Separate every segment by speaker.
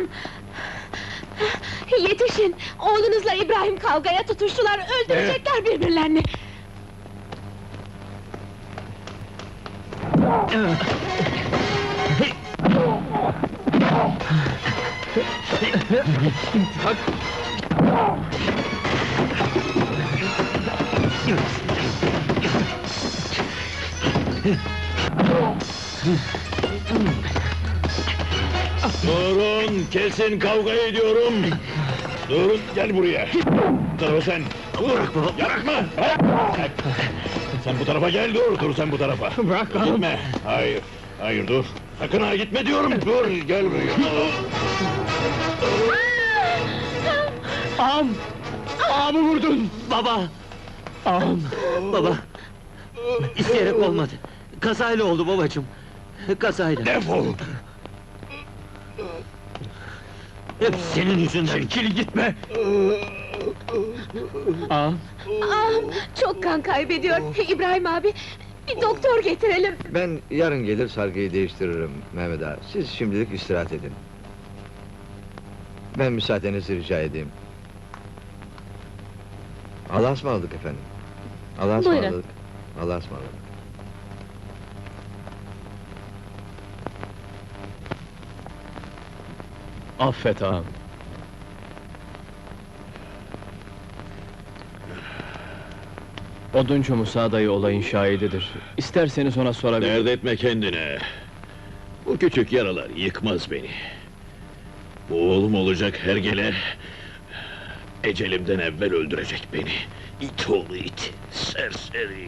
Speaker 1: Halam! Yetişin! Oğlunuzla İbrahim kavgaya tutuştular, öldürecekler birbirlerini!
Speaker 2: Durun, kesin kavga ediyorum! Durun, gel buraya! Bu tarafa sen! Dur! Yapma! Bırak! Sen bu tarafa gel, dur sen bu tarafa!
Speaker 3: Bırak ağam!
Speaker 2: Gitme! Hayır, hayır dur! Sakın ha gitme diyorum! Dur, gel buraya!
Speaker 3: Ağam! Ağamı vurdun!
Speaker 4: Baba!
Speaker 3: Ağam!
Speaker 4: Baba! İsteyerek olmadı. Kazayla oldu babacığım. Kazayla.
Speaker 2: Defol!
Speaker 4: Hep senin yüzünden.
Speaker 3: Çekil gitme! Ağam!
Speaker 1: Ağam, çok kan kaybediyor! İbrahim abi, bir doktor getirelim!
Speaker 5: Ben yarın gelir sargıyı değiştiririm Mehmet ağa. Siz şimdilik istirahat edin. Ben müsaadenizi rica edeyim. Allah'a ısmarladık efendim. Allah'a
Speaker 1: Buyurun.
Speaker 5: ısmarladık. Allah'a ısmarladık.
Speaker 3: Affet ağam! Oduncu Musa dayı olayın şahididir. İsterseniz ona sorabilirim.
Speaker 2: Dert etme kendine! Bu küçük yaralar yıkmaz beni. Bu oğlum olacak hergele... ...ecelimden evvel öldürecek beni. İt oğlu it, serseri!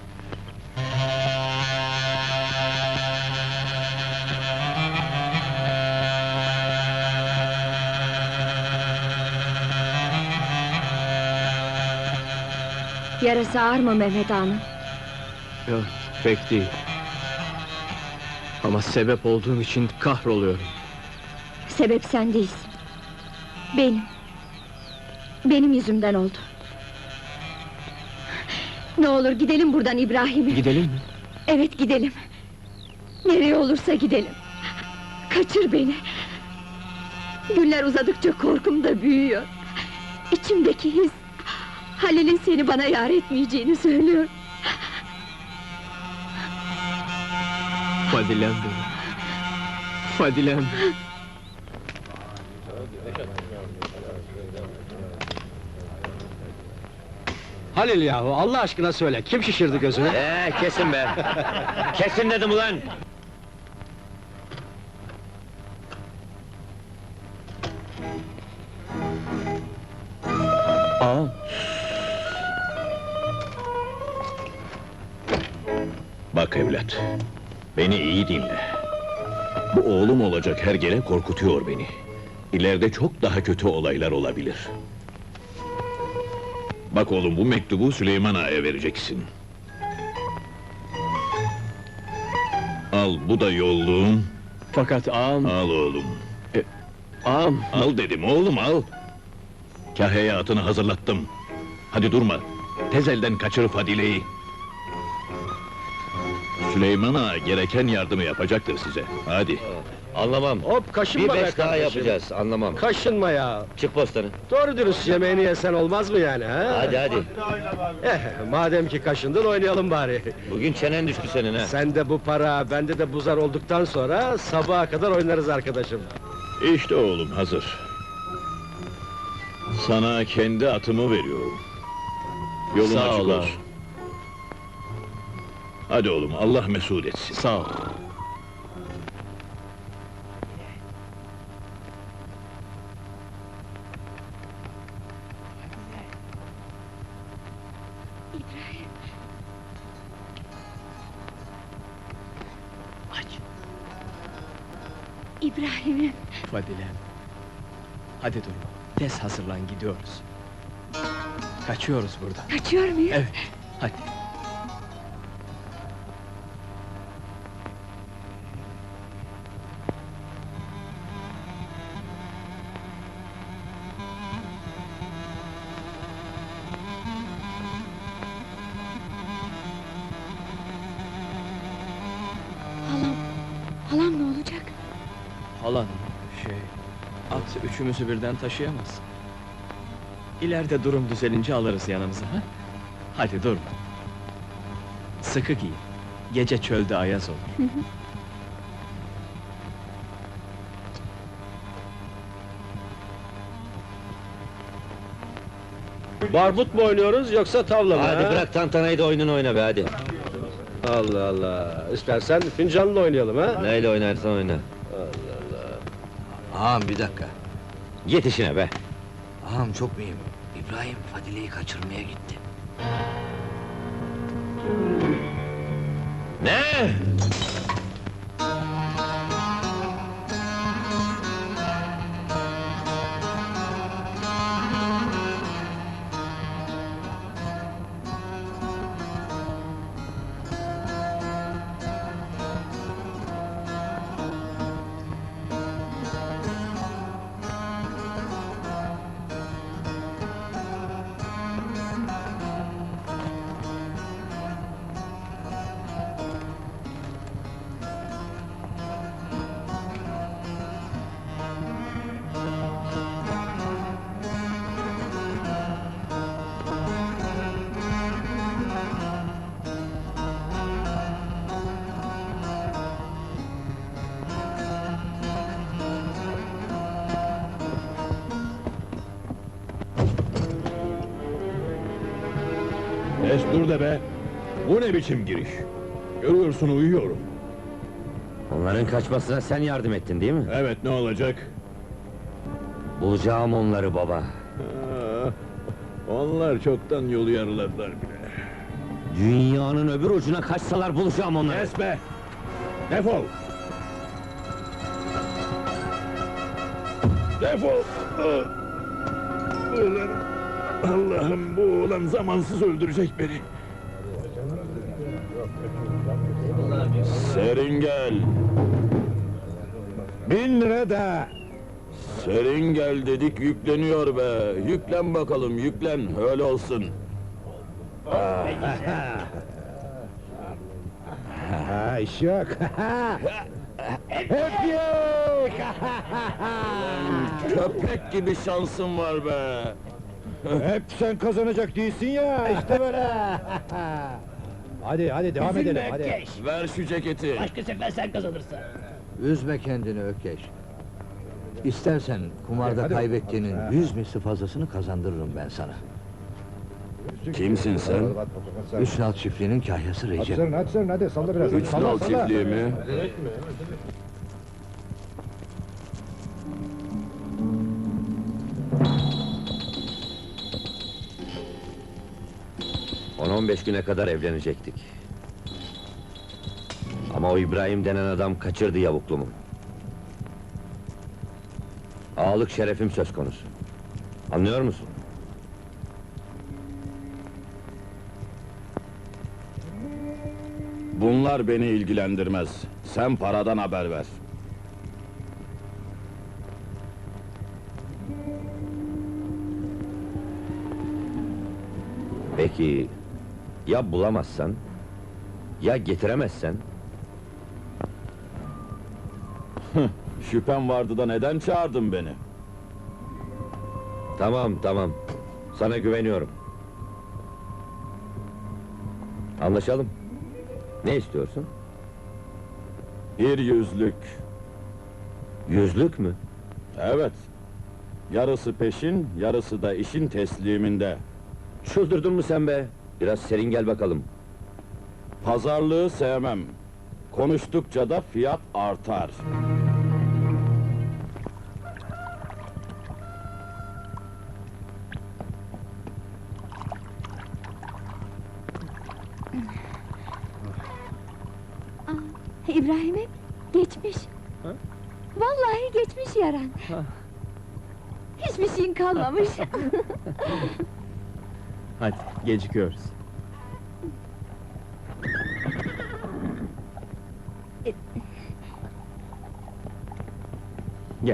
Speaker 1: Yarası ağır mı Mehmet ağanın?
Speaker 3: Yok, pek değil. Ama sebep olduğum için kahroluyorum.
Speaker 1: Sebep sen değilsin. Benim. Benim yüzümden oldu. Ne olur gidelim buradan İbrahim'im.
Speaker 3: Gidelim mi?
Speaker 1: Evet gidelim. Nereye olursa gidelim. Kaçır beni. Günler uzadıkça korkum da büyüyor. İçimdeki his... Halil'in seni bana yar etmeyeceğini söylüyor.
Speaker 3: Fadilem benim. Fadilem.
Speaker 6: Halil yahu, Allah aşkına söyle, kim şişirdi gözünü?
Speaker 4: Kesin be! Kesin dedim ulan!
Speaker 3: Ağam!
Speaker 2: Bak evlat, beni iyi dinle. Bu oğlum olacak hergele korkutuyor beni. İleride çok daha kötü olaylar olabilir. Bak oğlum, bu mektubu Süleyman Ağa'ya vereceksin. Al, bu da yolluğum.
Speaker 3: Fakat ağam...
Speaker 2: Al oğlum.
Speaker 3: Ağam!
Speaker 2: Al dedim oğlum, al! Kahya'ya atını hazırlattım. Hadi durma, tez elden kaçır Fadile'yi. Süleyman Ağa gereken yardımı yapacaktır size. Hadi.
Speaker 5: Anlamam.
Speaker 6: Hop, kaşınma
Speaker 5: Bir
Speaker 6: be
Speaker 5: 5 daha
Speaker 6: kardeşim.
Speaker 5: yapacağız, anlamam.
Speaker 6: Kaşınma ya!
Speaker 5: Çık postanı.
Speaker 6: Doğru dürüst yemeğini yesen olmaz mı yani, ha?
Speaker 5: Hadi.
Speaker 6: Madem ki kaşındın, oynayalım bari.
Speaker 5: Bugün çenen düştü senin ha.
Speaker 6: Sende bu para, bende de bu zar olduktan sonra... ...sabaha kadar oynarız arkadaşım.
Speaker 2: İşte oğlum hazır. Sana kendi atımı veriyorum. Yolun
Speaker 3: Sağ
Speaker 2: açık
Speaker 3: ol ağam.
Speaker 2: olsun. Hadi oğlum, Allah mesut etsin.
Speaker 3: Sağ ol.
Speaker 1: İbrahim'im.
Speaker 3: Fadilem. Hadi durma. Tez hazırlan, gidiyoruz. Kaçıyoruz buradan.
Speaker 1: Kaçıyor muyuz?
Speaker 3: Evet, hadi.
Speaker 1: Halam ne olacak?
Speaker 3: Halan, At üçümüzü birden taşıyamaz. İleride durum düzelince alırız yanımıza, ha? Hadi durma. Sıkı giyin. Gece çölde ayaz olur.
Speaker 6: Barbut mu oynuyoruz yoksa tavla mı?
Speaker 4: Hadi
Speaker 6: ha?
Speaker 4: bırak tantanayı da oyununu oyna be hadi.
Speaker 6: Allah Allah. İstersen fincanla oynayalım ha?
Speaker 4: Neyle oynarsan oyna.
Speaker 5: Ağam bir dakika.
Speaker 4: Git işine be.
Speaker 5: Ağam çok mühim. İbrahim Fadile'yi kaçırmaya gitti.
Speaker 4: Ne?
Speaker 2: Destur de be! Bu ne biçim giriş? Görüyorsun uyuyorum.
Speaker 4: Onların kaçmasına sen yardım ettin değil mi?
Speaker 2: Evet, ne olacak?
Speaker 4: Bulacağım onları baba.
Speaker 2: Ah, onlar çoktan yolu yarıladılar bile.
Speaker 4: Dünyanın öbür ucuna kaçsalar bulacağım onları.
Speaker 2: Kes be! Defol! Defol! Ah! Ulan! Allah'ım, bu oğlan zamansız öldürecek beni. Serin gel!
Speaker 7: 1000 lira da.
Speaker 2: Serin gel dedik, yükleniyor be! Yüklen bakalım, yüklen, öyle olsun!
Speaker 7: Ha, iş yok. Hep yok.
Speaker 2: Köpek gibi şansın var be!
Speaker 7: Hep sen kazanacak değilsin ya. İşte böyle. Hadi devam edelim hadi.
Speaker 2: Ver şu ceketi!
Speaker 5: Üzme kendini Ökkeş. İstersen kumarda
Speaker 7: Hadi.
Speaker 5: kaybettiğinin 100 misli fazlasını kazandırırım ben sana.
Speaker 2: Kimsin sen?
Speaker 5: Üç nal çiftliğinin kahyası Recep.
Speaker 7: Hadi salla biraz.
Speaker 2: Üç
Speaker 7: Salla,
Speaker 2: nal
Speaker 7: salla.
Speaker 2: çiftliği mi?
Speaker 4: 10-15 güne kadar evlenecektik. Ama o İbrahim denen adam kaçırdı yavuklumu. Ağalık şerefim söz konusu. Anlıyor musun?
Speaker 2: Bunlar beni ilgilendirmez. Sen paradan haber ver.
Speaker 4: Peki, ya bulamazsan? Ya getiremezsen?
Speaker 2: Şüphem vardı da neden çağırdın beni?
Speaker 4: Tamam. Sana güveniyorum. Anlaşalım. Ne istiyorsun?
Speaker 2: Bir yüzlük.
Speaker 4: Yüzlük mü?
Speaker 2: Evet. Yarısı peşin, yarısı da işin tesliminde.
Speaker 4: Çıldırdın mı sen be? Biraz serin gel bakalım.
Speaker 2: Pazarlığı sevmem. Konuştukça da fiyat artar.
Speaker 1: İbrahim'im, geçmiş. Vallahi geçmiş yaran. Hiçbir şeyin kalmamış.
Speaker 3: Hadi, gecikiyoruz. Gel.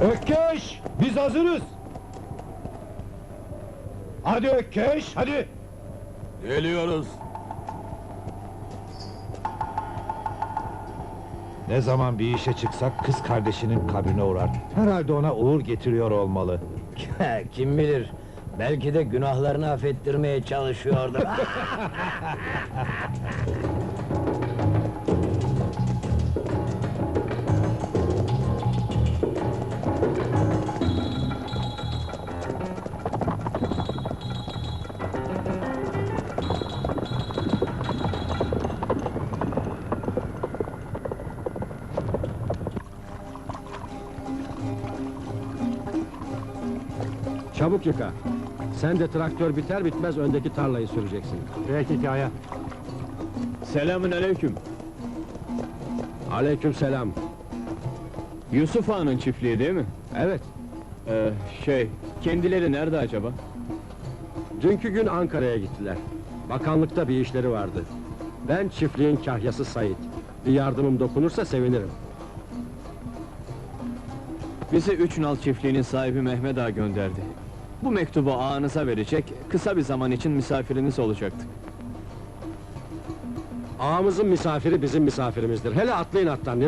Speaker 7: Ökkeş! Biz hazırız! Hadi Ökkeş, hadi!
Speaker 2: Geliyoruz.
Speaker 7: Ne zaman bir işe çıksak kız kardeşinin kabrine uğrar. Herhalde ona uğur getiriyor olmalı.
Speaker 4: Kim bilir, belki de günahlarını affettirmeye çalışıyordur.
Speaker 6: Çabuk yıka. Sen de traktör biter bitmez öndeki tarlayı süreceksin. Peki hikaye.
Speaker 3: Selamün aleyküm.
Speaker 6: Aleykümselam.
Speaker 3: Yusuf Ağa'nın çiftliği değil mi?
Speaker 6: Evet,
Speaker 3: Kendileri nerede acaba?
Speaker 6: dünkü gün Ankara'ya gittiler. Bakanlıkta bir işleri vardı. Ben çiftliğin kahyası Sait. Bir yardımım dokunursa sevinirim.
Speaker 3: Bizi Üç Nal çiftliğinin sahibi Mehmet Ağa gönderdi. Bu mektubu ağanıza verecek, kısa bir zaman için misafiriniz olacaktık.
Speaker 6: Ağamızın misafiri bizim misafirimizdir. Hele atlayın attan.